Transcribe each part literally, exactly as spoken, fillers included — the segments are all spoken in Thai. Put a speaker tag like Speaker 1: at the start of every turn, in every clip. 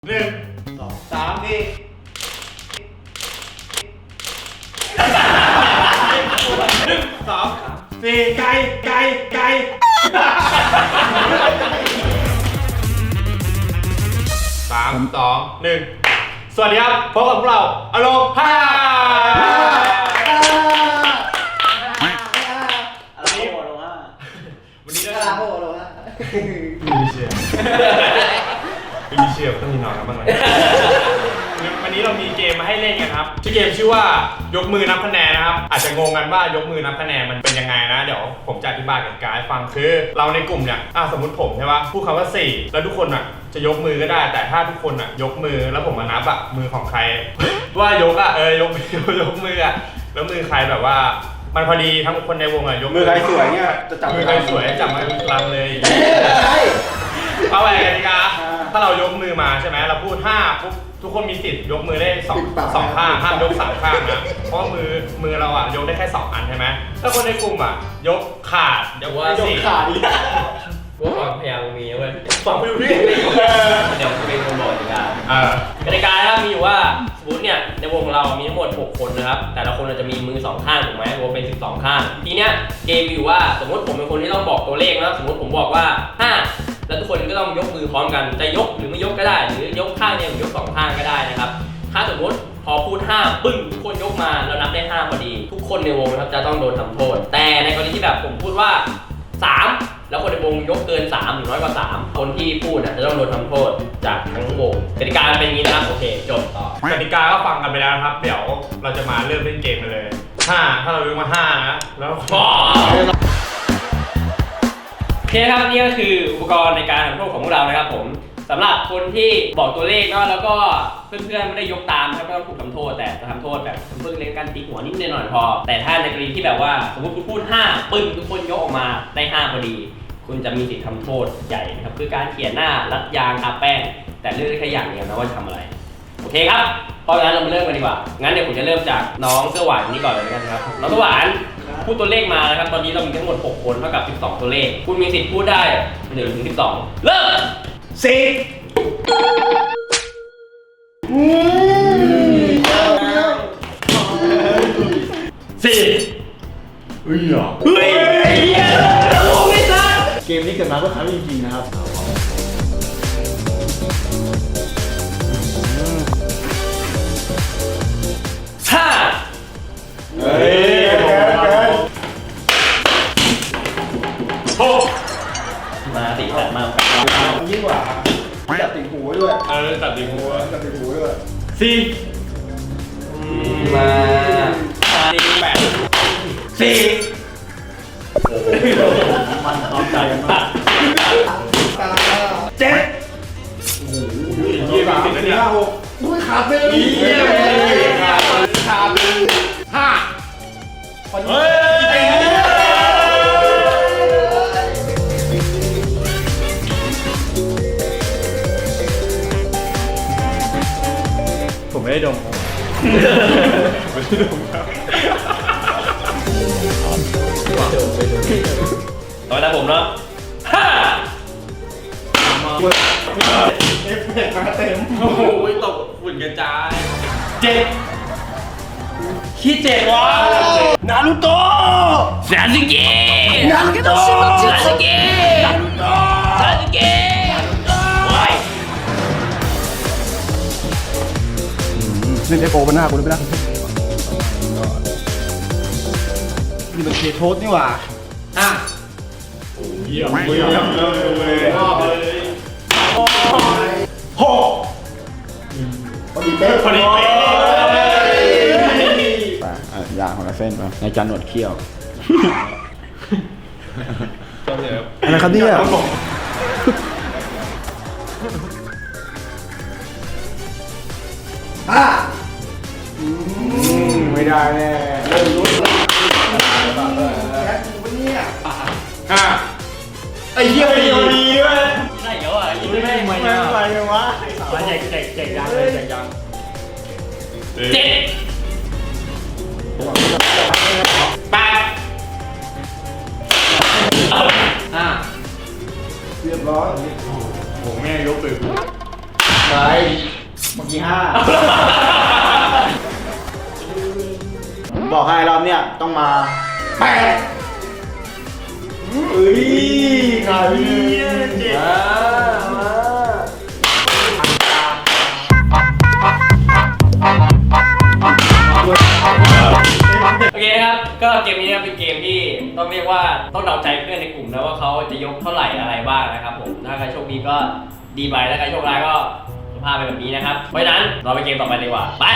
Speaker 1: หนึ่งสองสามสี่หนึ่งสองสี่ไก่ไก่ไก่สามสองหนึ่งสวัสดีครับพบกับพวกเราอโลฮาวันนี้วันนี้เรามีเชียร์มีเชียร์ต้องมีนอนครับบ้างไหมวันนี้เรามีเกมมาให้เล่นกันครับชื่อเกมชื่อว่ายกมือนับคะแนนนะครับอาจจะงงกันว่ายกมือนับคะแนนมันเป็นยังไงนะเดี๋ยวผมจะอธิบายกันกายฟังคือเราในกลุ่มเนี่ยอ่ะสมมติผมใช่ปะพูดคำว่าสี่แล้วทุกคนอ่ะจะยกมือก็ได้แต่ถ้าทุกคนอ่ะยกมือแล้วผมมานับอ่ะมือของใครว่ายกอ่ะเออยกยกมืออ่ะแล้วมือใครแบบว่ามันพอดีทั้งคนในวงอ่ะยก
Speaker 2: มือใครสวยเนี่ยจะจับ
Speaker 1: มือใครสวยจับมาลำเลยเอาไปกันดีกว่าถ้าเรายกมือมาใช่ไหมเราพูดห้าปุ๊บทุกคนมีสิทธิ์ยกมือได้สองสองข้างห้ามยกสามข้างนะเพราะมือมือเราอ่ะยกได้แค่สองอันใช่ไหมถ้าคนในกลุ่มอ่ะยกขาดยกว่าสี่
Speaker 2: ขาด
Speaker 3: ว่าความพยายามมีเว้ย
Speaker 1: ฟังไม่รู้เรื่อง
Speaker 3: เดี๋ยวจะเป็นคนบอกกติกา
Speaker 1: อ่
Speaker 3: ากติกาครับมีอยู่ว่าสมมติเนี่ยในวงของเรามีทั้งหมดหกคนนะครับแต่ละคนจะมีมือสองข้างถูกไหมรวมเป็นสิบสองข้างทีเนี้ยเกมมีอยู่ว่าสมมติผมเป็นคนที่ต้องบอกตัวเลขนะสมมติผมบอกว่าห้าแล้วทุกคนก็ต้องยกมือพร้อมกันจะยกหรือไม่ยกก็ได้หรือยกข้างเนี่ยหรือยกสองข้างก็ได้นะครับถ้าสมมติพอพูดห้าปึ้งทุกคนยกมาแล้วนับได้ห้าพอดีทุกคนในวงนะครับจะต้องโดนทำโทษแต่ในกรณีที่แบบผมพูดว่าสามแล้วคนในวงยกเกินสามหรือน้อยกว่าสามคนที่พูดนะจะต้องโดนทำโทษจากทั้งวงกติกาเป็นอย่างนี้นะครับโอเคจบต่อก
Speaker 1: ติกาก็ฟังกันไปแล้วนะครับเดี๋ยวเราจะมาเริ่มเล่นเกมกันเลยห้าถ้าเรายกมาห้านะแล้ว
Speaker 3: โอเคครับนี่ก็คืออุปกรณ์ในการทำโทษของพวกเรานะครับผมสำหรับคนที่บอกตัวเลขเนาะแล้วก็เพื่อนๆไม่ได้ยกตามครับไม่ต้องถูกทำโทษแต่จะทำโทษแบบเพิ่งเล่นกันตีหัวนิดหน่อยพอแต่ถ้าในกรณีที่แบบว่าสมมติคุณพูดห้าปึ้งทุกคนยกออกมาได้ห้าพอดีคุณจะมีสิทธิ์ทำโทษใหญ่นะครับคือการเขียนหน้ารัดยางทาแป้งแต่เลือกได้แค่อย่างเดียวนะว่าจะทำอะไรโอเคครับเพราะงั้นเรามาเริ่มกันดีกว่างั้นเดี๋ยวผมจะเริ่มจากน้องเสื้อหวานนี้ก่อนเลยนะครับน้องเสื้อหวานพูดตัวเลขมานะครับตอนนี้เรามีทั้งหมดหกคนเท่ากับสิบสองตัวเลขคุณมีสิทธิ์พูดได้หนึ่งถึงสิบสองเริ่ม
Speaker 1: สี่สี่เฮ้ยเหรอเฮ้ย
Speaker 2: เกมนี้เกิดมาเพื่อครั้งจริงๆนะครับ
Speaker 3: ห้า
Speaker 1: เฮ้ยหก
Speaker 3: มาติดจัดมา
Speaker 2: ยิ่งกว่าจับติ่งหูด้วย
Speaker 1: เออจับติ่งหู
Speaker 2: จับติ่งหูด้วย
Speaker 1: สี่
Speaker 3: มาสี่แปด
Speaker 1: สี่
Speaker 2: มันพร้อมใจกันมาก
Speaker 1: เจ็ด
Speaker 2: ยี่สิบสี่ห้าหกด้วยขาดเลย
Speaker 1: ขาดขาดห้าเฮ้ยผมไม่ได้ดมครับไม่ได้ดมครับ
Speaker 3: ต่อไปผมเนาะห้า
Speaker 2: เอฟเฟกต์มาเต็ม
Speaker 1: โอ้โหตกฝุ่นกระจายเจ็ดขี้เจ็ดวะนารูโตะ
Speaker 3: ซาสึเกะ
Speaker 1: นารูโตะ
Speaker 3: ซาสึเกะ
Speaker 1: นารูโตะ
Speaker 3: ซาสึเกะ
Speaker 2: นี่ไอโปมันหน้ากูเลยไปแล้วนี่มันเคโทสนี่หว่า
Speaker 3: อ่ะ
Speaker 1: เยี่ยมเยี่ยมเลยชอบเลยหก
Speaker 2: พอดีเป๊ะ
Speaker 1: พอดีเป๊ะ
Speaker 2: ยางของเราเส้นป่ะในจานหนวดเขี้ยวอะไรครับเนี่ยอ่ะไม่ได้แน่เริ่มรู้แล้วแค่กูเนี่ย
Speaker 1: อ่ะไอ้เหี้ยดีดีเว้ย
Speaker 3: ได้เยอะอ่ะยิ่งไม่
Speaker 2: ไม่ไม่ไม่วะ
Speaker 1: มาแจกแจกแจกยังเลยแจกยัง
Speaker 3: เจ็ดแปด
Speaker 1: ห้า
Speaker 2: เรียบร้อย
Speaker 1: ผมแม่ยกเลย
Speaker 2: ไปเมื่อกี้ห้าบอกให้รอบเนี้ยต้องมาแปดเฮ้ยใครมามา
Speaker 3: โอเคครับก็เกมนี้นะครับเป็นเกมที่ต้องเรียกว่าต้องเดาใจเพื่อนในกลุ่มนะว่าเขาจะยกเท่าไหร่อะไรบ้างนะครับผมถ้าใครโชคดีก็ดีไปถ้าใครโชคร้ายก็สภาพเป็นแบบนี้นะครับเพราะฉะนั้นเราไปเกมต่อไปดีกว่าไป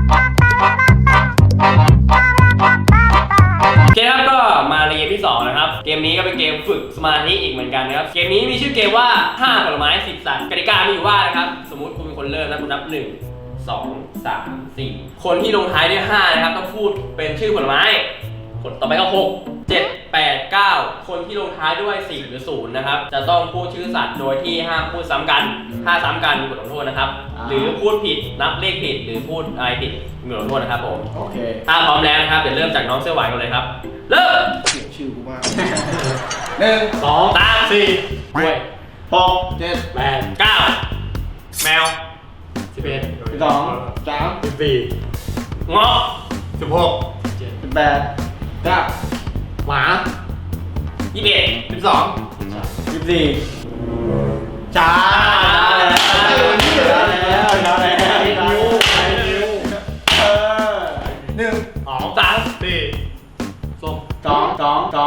Speaker 3: โอเคครับก็มาในเกมที่สองนะครับเกมนี้ก็เป็นเกมฝึกสมาธิอีกเหมือนกันนะครับเกมนี้มีชื่อเกมว่าห้าผลไม้สิบสัตว์กติกามีอยู่ว่านะครับสมมุติคุณเป็นคนเริ่มนะคุณนับหนึ่งสองสามสี่คนที่ลงท้ายด้วยห้านะครับต้องพูดเป็นชื่อผลไม้คนต่อไปก็หกเจ็ดแปดเก้าคนที่ลงท้ายด้วยสี่หรือศูนย์นะครับจะต้องพูดชื่อสัตว์โดยที่ห้ามพูดซ้ำกันถ้าซ้ำกันมีบทลงโทษนะครับหรือพูดผิดนับเลขผิดหรือพูดอะไรผิดมีบทลงโทษนะครับผม
Speaker 2: โอเค
Speaker 3: ถ้าพร้อมแล้วนะครับเดี๋ยวเริ่มจากน้องเสื้อหวานกันเลยครับเริ่ม
Speaker 2: เสียงชื่อกูมากหนึ่ง
Speaker 3: สองสามสี่ห้วย
Speaker 2: หกเจ็ด
Speaker 3: แปดเก้า
Speaker 1: แมวสิบเอ็ด
Speaker 2: สิบสองสาม
Speaker 1: สิบสี่
Speaker 3: เงาะ
Speaker 1: สิบหก
Speaker 2: สิบแปดเก้า
Speaker 1: หมา
Speaker 3: ยี่สิบเอ็ด
Speaker 1: สิบสอง
Speaker 2: สิบสี่ช้าแล้วช้าแล้วช้าแล้วนิ้วนิ้วเออหนึ่ง
Speaker 1: สองสามสี่ส้ม
Speaker 2: สองสองสอง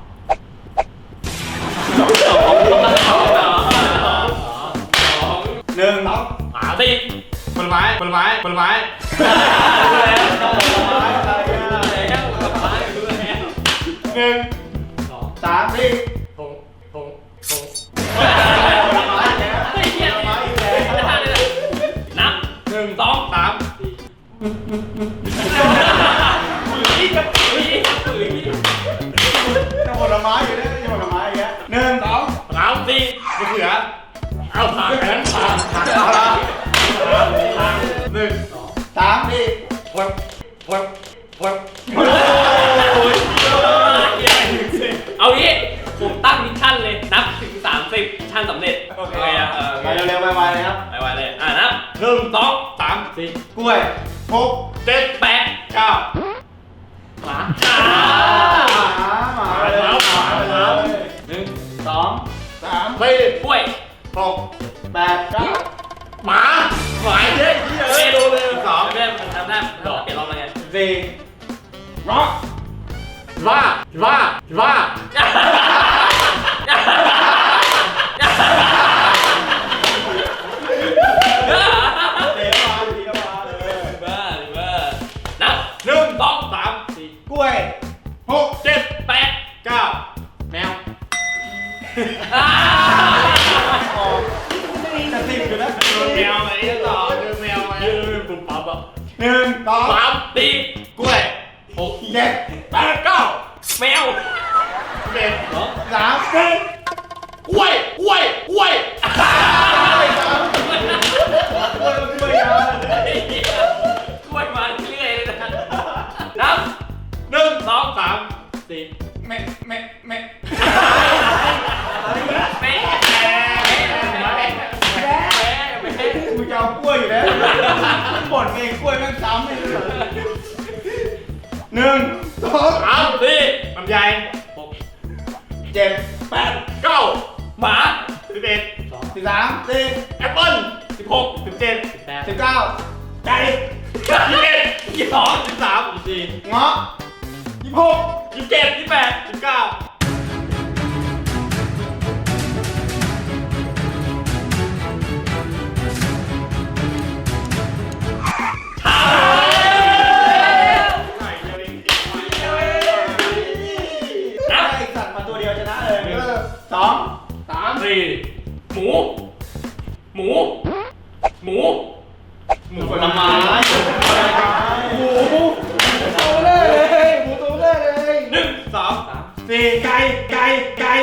Speaker 3: สองสองสองสอง
Speaker 2: หนึ่ง
Speaker 1: หมาสิผลไม้ผลไม้ผลไม้หนึ่ง
Speaker 2: สามสี่
Speaker 1: ผงผงผง
Speaker 3: นับ
Speaker 1: หนึ่งสองสาม
Speaker 3: ปุ๋ยกับปุ๋ยปุ๋ย
Speaker 2: จะผลไม้อยู่เนี่ยจะผลไม้อย่างเงี้ยหนึ่งสอง
Speaker 1: สามสี่มะเขือเอาผ่านไปนั้นผ่าน
Speaker 2: เอาละ
Speaker 1: หนึ่ง
Speaker 2: สามสี่
Speaker 1: พวกพวกพวก
Speaker 3: เอางี้ผมตั้งมิชชั่นเลยนับถึงสามสิบมิชชั่นสำเร็จโอเคอ่ะ
Speaker 2: ไปเร็วๆไวๆเลยครับ
Speaker 3: ไปไวเลยอ่ะนับหนึ่งสอง
Speaker 1: สามสี่
Speaker 2: กล้วยหก
Speaker 1: เจ็ด
Speaker 3: แปด
Speaker 1: เก้า
Speaker 3: หมา
Speaker 2: หมาหมาเลยหมาเลยหนึ่งสองสาม
Speaker 1: สี่
Speaker 3: กล้วย
Speaker 1: หก
Speaker 2: แปดเก้า
Speaker 1: หมาหมาเยอะเยอะ
Speaker 3: เมนูเลย
Speaker 1: สอง
Speaker 3: เพื่อนมันทำได้เปลี่ยนรอบมาไง
Speaker 2: สี่
Speaker 1: รอว่าว่าว่า
Speaker 2: เดี๋ยวมาเดี๋ยวมาเลย
Speaker 3: บ้าบ้านับ
Speaker 1: หนึ่งสองสามสี่
Speaker 2: กล้วยหก
Speaker 1: เจ็ด
Speaker 3: แปด
Speaker 1: เก้าแมว
Speaker 3: อ่า
Speaker 2: ออกจะสิบอยู่แล้ว
Speaker 1: แมวอะไรต่อคือแมวอะไรปุ๊บปั๊บอ่ะ
Speaker 2: หนึ่งสอง
Speaker 1: สามสี่กล้วยหก
Speaker 2: เจ็ด
Speaker 1: แปดเก้า
Speaker 3: แมว
Speaker 1: สิบเอ็ด
Speaker 2: สามสี่
Speaker 1: กล้วยกล้วยกล้วย
Speaker 2: กล้วยสามกล้วยกล้วยยาว
Speaker 3: กล้วยมาเรื่อยเลยนะนับ
Speaker 1: หนึ่งสองสามสี่
Speaker 2: แม่แม่แม่
Speaker 3: แม่
Speaker 2: กูจะเอากล้วยอยู่แล้วบ่นเองกล้วยแม่งซ้ำเลยหนึ่งสอง
Speaker 1: สามสี่ลำไยหก
Speaker 2: เจ็ด
Speaker 1: แปดเก้า
Speaker 3: หมา
Speaker 1: สิบเอ็ด
Speaker 2: สิบสามสี่
Speaker 1: แอปเปิ้ลสิบหกสิบเจ็ดสิบแปด
Speaker 2: สิบเก้าไก่
Speaker 1: ยี่สิบเอ็ดยี่สิบสองยี่สิบสามยี่สิบสี่
Speaker 2: เงาะยี่สิบหก
Speaker 1: ยี่สิบเจ็ดยี่สิบแปดยี่สิบเก้า
Speaker 2: นับไอสัตว์มาตัวเดียวชนะเลยสองสาม
Speaker 3: สี่หมู หมู หมู
Speaker 1: หมูผลไม้
Speaker 2: หมูหมูตัวเลยหมูตัวเลยเลย
Speaker 1: หนึ่งสองสาม
Speaker 2: สี่ไก่ไก่ไก่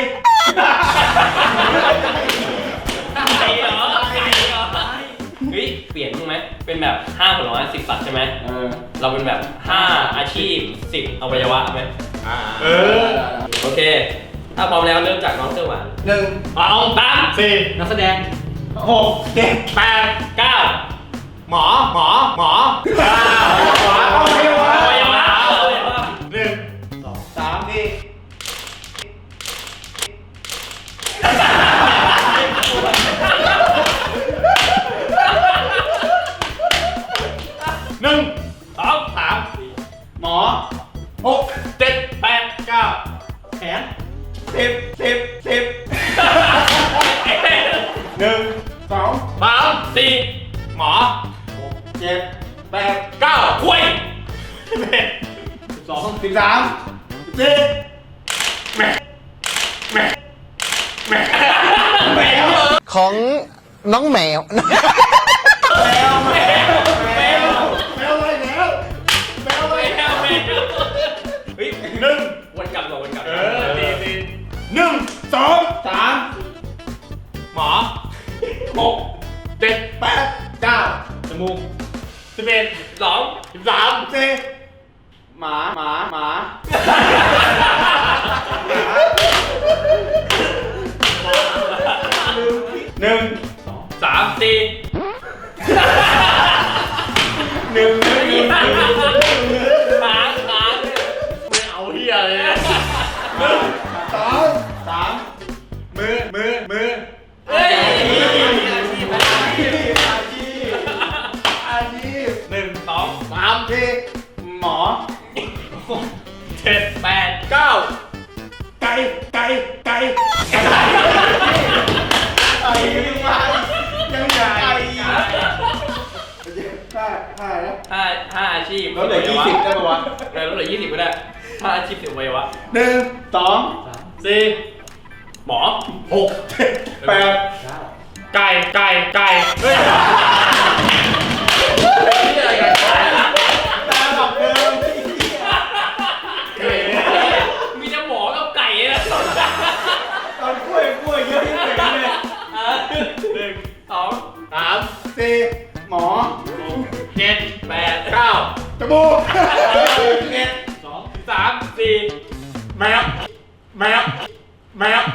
Speaker 3: ไก่เหรอไก่เหรอเฮ้ยเปลี่ยนถูกไหมเป็นแบบห้าผลไม้สิบสัตว์ใช่ไหม
Speaker 2: เออ
Speaker 3: เราเป็นแบบห้าอาชีพสิบอวัยวะไหม
Speaker 1: เออ
Speaker 3: โอเค ถ้าพร้อมแล้วเริ่มจากน้องเสื้อหวาน
Speaker 2: หนึ่ง
Speaker 3: เอาตาม
Speaker 1: สี่
Speaker 3: นักแสดง
Speaker 2: โอ้หกเจ็ด
Speaker 1: แปด
Speaker 3: เก้า
Speaker 1: หมอหมอหมอเก้า
Speaker 2: ขวาเอาไปวะ
Speaker 3: อวัยวะอวัยวะ
Speaker 1: หนึ่ง
Speaker 2: สองสามสี่
Speaker 1: หนึ่ง
Speaker 3: สอง
Speaker 1: สาม
Speaker 2: หมอหก
Speaker 1: เจ็ดแปดเก้า
Speaker 2: แขนสิบสิบสิบหนึ่งสอง
Speaker 1: สามสี่หมอ
Speaker 2: เจ็ดแปด
Speaker 1: เก้าคุยสิบเอ็ด
Speaker 2: สิบสองสิบสามสิบสี่
Speaker 1: แม่แม่แม่
Speaker 2: แมว
Speaker 4: ของน้องแมว
Speaker 2: แมวแมวแมวแมวอะไรแล้วแมวอะไร
Speaker 3: แมวแมว
Speaker 1: เฮ้ยหนึ่ง
Speaker 3: วนกลับก่อนวนกลับ
Speaker 1: เออดีดีหนึ่งสอง
Speaker 2: สาม
Speaker 1: หมอ
Speaker 3: หก
Speaker 1: เจ็ด
Speaker 2: แปดเก้า
Speaker 1: จมูกสิบเอ็ด
Speaker 3: สอง
Speaker 1: สิบสาม
Speaker 2: สี่หมาหมาหมา หนึ่ง
Speaker 3: สามสี่
Speaker 2: หนึ่งหนึ่งหนึ่ง
Speaker 3: หางหาง
Speaker 1: ไม่เอาเฮียเลยนะ
Speaker 2: สองสาม
Speaker 1: มือมือมือ
Speaker 3: เฮ้ย
Speaker 2: อาชีพอาชีพอาชีพอาชีพ
Speaker 1: หนึ่ง
Speaker 3: สอง
Speaker 2: สามสี่หมอ
Speaker 1: เจ็ด
Speaker 3: แปด
Speaker 1: เก้า
Speaker 2: ไก่ไก่ไก่ไก่ไก่ยังไงไก่ห้าห้าแล้ว
Speaker 3: ห้าห้าอาชีพ
Speaker 2: แล้วเหลือยี่สิบได้ปะวะ
Speaker 3: เออแล้วเหลือยี่สิบก็ได้ห้าอาชีพสิบอวัยวะ
Speaker 2: หนึ่งสอง
Speaker 1: สี่
Speaker 3: หมอ
Speaker 1: หก
Speaker 2: เจ็ดแปด
Speaker 1: ไก่ไก่ไก่เฮ้ยนี่อะไรกันไก่
Speaker 2: ตาแบบเดิม
Speaker 3: มีแต่หมอกับไก่นะ
Speaker 2: ตอนกล้วยกล้วยเยอะที่สุดเลย
Speaker 1: หนึ่ง
Speaker 3: สอง
Speaker 1: สาม
Speaker 2: สี่หมอ
Speaker 1: เจ็ด
Speaker 3: แปด
Speaker 1: เก้า
Speaker 2: จมูกเอ็ด
Speaker 3: สอง
Speaker 1: สามสี่แมวแมวแมว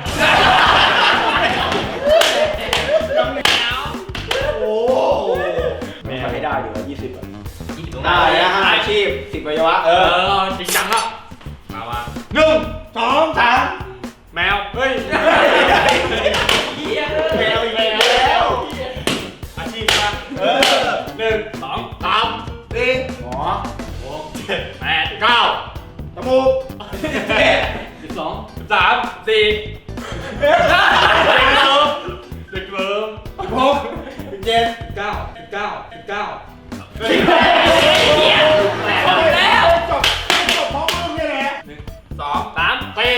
Speaker 2: โอ้แม่ไม่ได้อยู่ยี่สิบอ่ะ
Speaker 3: ยี่สิบตรง
Speaker 2: ได้นะห้าอาชีพสิบวัยวะเอ
Speaker 1: เอ
Speaker 2: อ
Speaker 1: อจริงจังครับมามา
Speaker 2: หนึ่งสองสาม
Speaker 1: แมวเฮ้ย
Speaker 3: เหี้ย
Speaker 2: แมวอีกแล้ว
Speaker 1: อาชีพมา
Speaker 2: เออ
Speaker 1: หนึ่ง
Speaker 3: สอง
Speaker 1: สามสี่
Speaker 2: หมอ
Speaker 1: หกเจ็ดแปดเก้า
Speaker 2: จมูกเอ็ด
Speaker 3: สิบสอง
Speaker 1: สิบสามสี่เด็กเลิฟเด็กเลิฟ
Speaker 2: สิบหกสิบเจ็ด
Speaker 3: เก้าสิบเก้าสิบเก้า
Speaker 1: เฮ้ย
Speaker 3: เหี้ยแปดแล้ว
Speaker 2: จบจบพร้อมมึงนี่แหละ
Speaker 1: สอง
Speaker 3: สาม
Speaker 1: สี่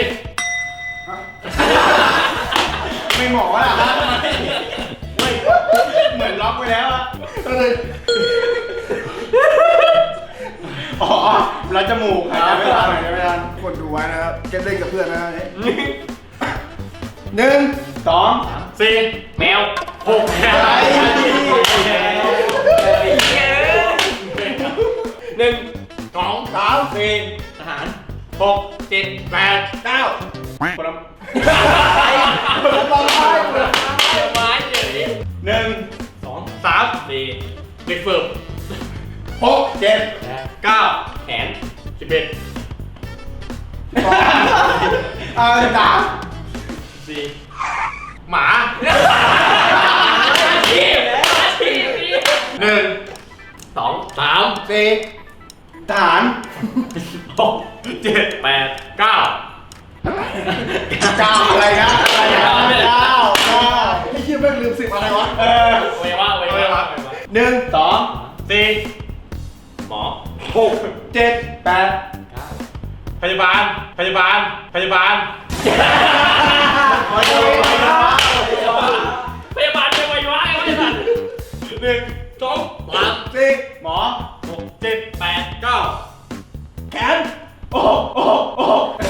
Speaker 2: ไม่หมอล่ะไม่เหมือนล็อกไปแล้วอะอ๋อแล้วจมูกหายใจไม่ทันหายใจไม่ทันคนดูไว้นะครับเก็บเล่นกับเพื่อนนะหนึ่งสอง
Speaker 1: สี่
Speaker 3: แมว
Speaker 1: หกแปด
Speaker 2: อะไร
Speaker 3: หนึ่ง
Speaker 1: สอง
Speaker 2: สามสี่
Speaker 3: ทหาร
Speaker 1: หก
Speaker 3: เจ็ด
Speaker 1: แปด
Speaker 2: เก้า
Speaker 1: คนละ
Speaker 2: คนละตอนท้ายคนละ
Speaker 3: เดี๋ยวไม้เดี๋ยวนี้
Speaker 2: หนึ่ง
Speaker 3: สอง
Speaker 1: สาม
Speaker 3: สี่
Speaker 1: เด็กฝึก
Speaker 2: หกเจ็ด
Speaker 3: แปด
Speaker 1: เก้า
Speaker 3: แขน
Speaker 1: สิบเอ็ด
Speaker 2: สองเออสาม
Speaker 1: สี่หมา
Speaker 3: อาชีพอาชีพนี่
Speaker 1: หนึ่ง
Speaker 3: สอง
Speaker 1: สาม
Speaker 2: สี่ทหาร
Speaker 1: หกเจ็ด
Speaker 3: แปด
Speaker 1: เก้า
Speaker 2: เก้าอะไรนะอะไรนะเก้าเก้าไอ้เหี้ยแม่งลืมสิบอะไรวะเออ
Speaker 3: อวัยวะอวัยวะ
Speaker 2: หนึ่งสอง
Speaker 1: สี่
Speaker 3: หมอ
Speaker 2: หกเจ็ดแปด
Speaker 1: พยาบาลพยาบาลพยาบาล
Speaker 2: ขอโทษครับ
Speaker 3: พยาบาลเป็นอวัยวะไอ้พยาบาล
Speaker 1: หนึ่งสองสาม
Speaker 2: สี่หมอ
Speaker 1: หกเจ็ดแปดเก้า
Speaker 2: แขนโอ้โอ้โอ้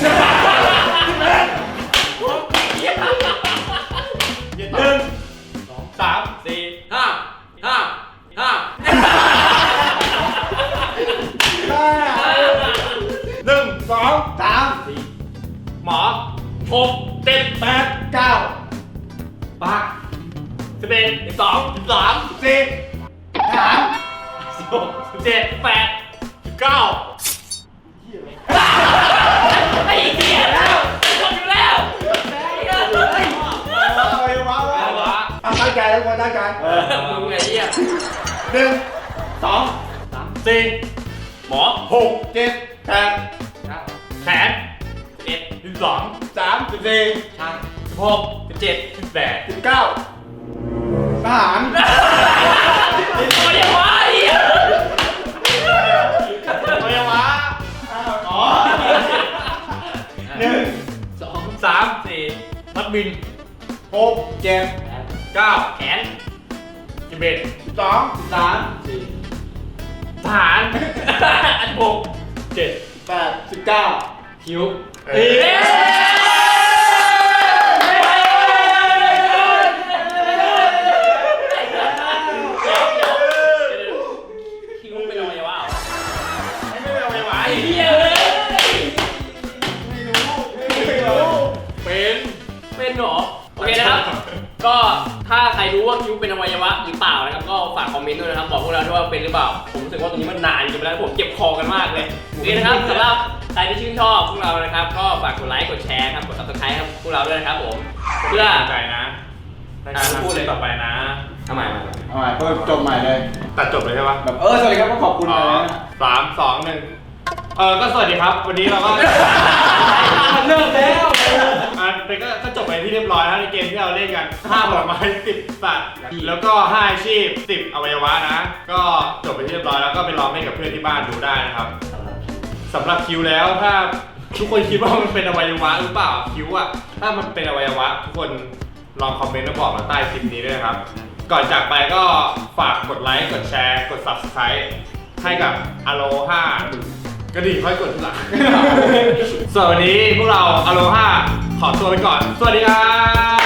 Speaker 1: หนึ่งสองสามสี่ห้าห้าห้าหนึ่ง
Speaker 2: สองสาม
Speaker 1: หมอหกเจ็ดแปด
Speaker 2: เก้า
Speaker 1: ปากสิบเอ็ด
Speaker 3: สอง
Speaker 1: สิบสามสี่
Speaker 2: สาม
Speaker 1: สิบหกสิบเจ็ดแปดสิบเก้า
Speaker 3: ไอ้เหี้ยแล้วหมดอยู่แล้ว
Speaker 2: เอาไปวะวะเอาตั้งใจแล้วคนตั้งใจ
Speaker 3: มึงไอ้เหี้ย
Speaker 2: หนึ่งสอง
Speaker 1: สี่
Speaker 3: หมอ
Speaker 1: หก
Speaker 2: เจ็ดแปด
Speaker 1: แขน
Speaker 3: เอ็ด
Speaker 1: สิบสอง
Speaker 2: สามสิบสี่
Speaker 3: ช่าง
Speaker 1: สิบหกสิบเจ็ดสิบแปด
Speaker 2: สิบเก้าทหาร
Speaker 3: ไม่ได้ว่าไอ้เหี้ย
Speaker 1: อวัยวะ
Speaker 2: อ๋อหนึ่ง
Speaker 3: สอง
Speaker 1: สามสี่นักบิน
Speaker 2: หกเจ็ด
Speaker 1: เก้า
Speaker 3: แขน
Speaker 1: สิบเอ็ด
Speaker 2: สิบสองสิบสามสี่
Speaker 1: ทหารอันหกเจ็ด
Speaker 2: แปดสิบเก้า
Speaker 3: คิ้ว
Speaker 1: เอ๊ะ
Speaker 3: คิ้วเป็นอวัยวะเหรอ
Speaker 1: ไม่เป็นอวัยวะ
Speaker 3: ไอ้เหี้ยเลย
Speaker 2: ไม่รู้
Speaker 1: เป็น
Speaker 3: เป็นเหรอโอเคนะครับ ก็ถ้าใครรู้ว่าคิ้วเป็นอวัยวะหรือเปล่านะครับก็ฝากคอมเมนต์ด้วยนะครับบอกพวกเราด้วยว่าเป็นหรือเปล่าผมรู้สึกว่าตรงนี้มันนานจนไปแล้วผมเจ็บคอกันมากเลยโอเคนะครับสำหรับใครที่ชื่นชอบพวกเรานะครับก็ฝากกดไลค์กดแชร์ครับกด ซับสไครบ์ ครับพวกเราด้วยนะครับผมเพื่อ
Speaker 1: ใจนะพูดเลยต่อไปนะ
Speaker 3: ทำไมมา
Speaker 2: เอาใหม่เพิ่มจบใหม่เลย
Speaker 1: ตัดจบเลยใช่ปะ
Speaker 2: แบบเออสวัสดีครับก็ขอบคุณ
Speaker 1: อ๋อ
Speaker 2: นะ
Speaker 1: สามสองหนึ่งเออก็สวัสดีครับ วันนี้เราก็
Speaker 3: เลิกแล้ว
Speaker 1: อ่ะแต่ก็ก็จบไปที่เรียบร้อยแล้วในเกมที่เราเล่นกันห้าผลไม้สิบสัตว์แล้วก็ห้าอาชีพสิบอวัยวะนะ ก็จบไปที่เรียบร้อยแล้วก็ไปลองเล่นกับเพื่อนที่บ้านดูได้นะครับสำหรับคิวแล้วถ้าทุกคนคิดว่ามันเป็นอวัยวะหรือเปล่าคิวอะถ้ามันเป็นอวัยวะทุกคนลองคอมเมนต์มาบอกมาใต้คลิปนี้ด้วยนะครับ ก่อนจากไปก็ฝากกดไลค์กดแชร์กด ซับสไครบ์ ให้กับอโลฮากระดิ่งค่อยกดทีหลัง ส่วนวันนี้พวกเราอโลฮาขอตัวไปก่อน สวัสดีครับ